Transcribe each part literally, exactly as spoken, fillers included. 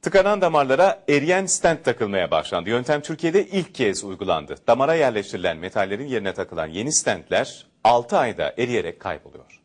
Tıkanan damarlara eriyen stent takılmaya başlandı. Yöntem Türkiye'de ilk kez uygulandı. Damara yerleştirilen metallerin yerine takılan yeni stentler altı ayda eriyerek kayboluyor.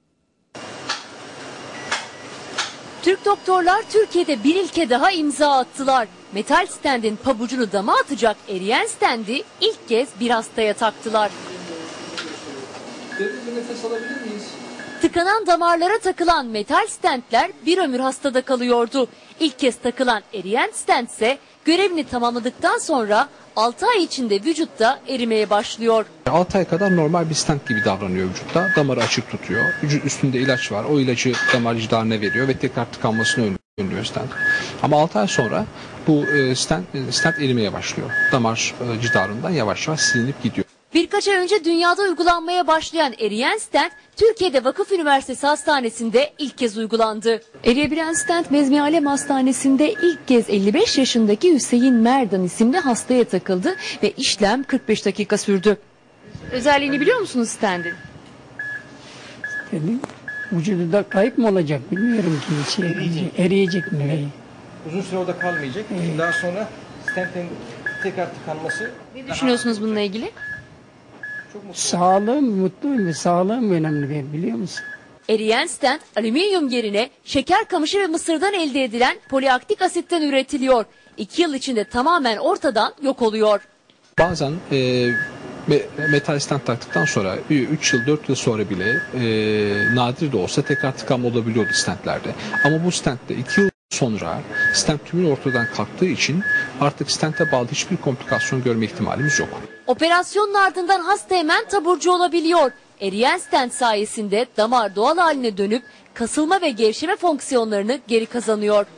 Türk doktorlar Türkiye'de bir ilke daha imza attılar. Metal stendin pabucunu dama atacak eriyen stendi ilk kez bir hastaya taktılar. Derin bir nefes alabilir miyiz? Tıkanan damarlara takılan metal stentler bir ömür hastada kalıyordu. İlk kez takılan eriyen stent ise görevini tamamladıktan sonra altı ay içinde vücutta erimeye başlıyor. altı ay kadar normal bir stent gibi davranıyor vücutta. Damarı açık tutuyor. Vücut üstünde ilaç var. O ilacı damar cidarına veriyor ve tekrar tıkanmasını önlüyor stent. Ama altı ay sonra bu stent, stent erimeye başlıyor. Damar cidarından yavaş yavaş silinip gidiyor. Birkaç ay önce dünyada uygulanmaya başlayan eriyen stent, Türkiye'de Vakıf Üniversitesi Hastanesi'nde ilk kez uygulandı. Eriyebilen stent Bezmi Alem Hastanesi'nde ilk kez elli beş yaşındaki Hüseyin Merdan isimli hastaya takıldı ve işlem kırk beş dakika sürdü. Özelliğini biliyor musunuz stentin? Dedim, vücudu da kayıp mı olacak bilmiyorum ki. Şey, eriyecek. eriyecek mi? Uzun süre orada kalmayacak. Evet. Daha sonra stentin tekrar tıkanması. Ne düşünüyorsunuz bununla ilgili? Sağlığım, mutluyum ve sağlığım önemli benim, biliyor musun? Eriyen stent alüminyum yerine şeker kamışı ve mısırdan elde edilen poliaktik asitten üretiliyor. İki yıl içinde tamamen ortadan yok oluyor. Bazen e, metal stent taktıktan sonra üç yıl dört yıl sonra bile e, nadir de olsa tekrar tıkanma olabiliyordu stentlerde. Ama bu stentte iki yıl sonra stent tümün ortadan kalktığı için artık stente bağlı hiçbir komplikasyon görme ihtimalimiz yok. Operasyonun ardından hasta hemen taburcu olabiliyor. Eriyen stent sayesinde damar doğal haline dönüp kasılma ve gevşeme fonksiyonlarını geri kazanıyor.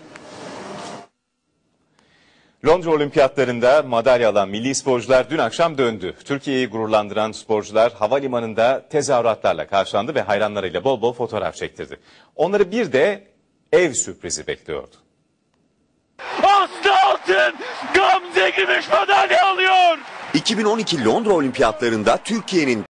Londra Olimpiyatlarında madalya alan milli sporcular dün akşam döndü. Türkiye'yi gururlandıran sporcular havalimanında tezahüratlarla karşılandı ve hayranlarıyla bol bol fotoğraf çektirdi. Onları bir de ev sürprizi bekliyordu. Aslı Altın Gamze gümüş madalya alıyor. iki bin on iki Londra Olimpiyatlarında Türkiye'nin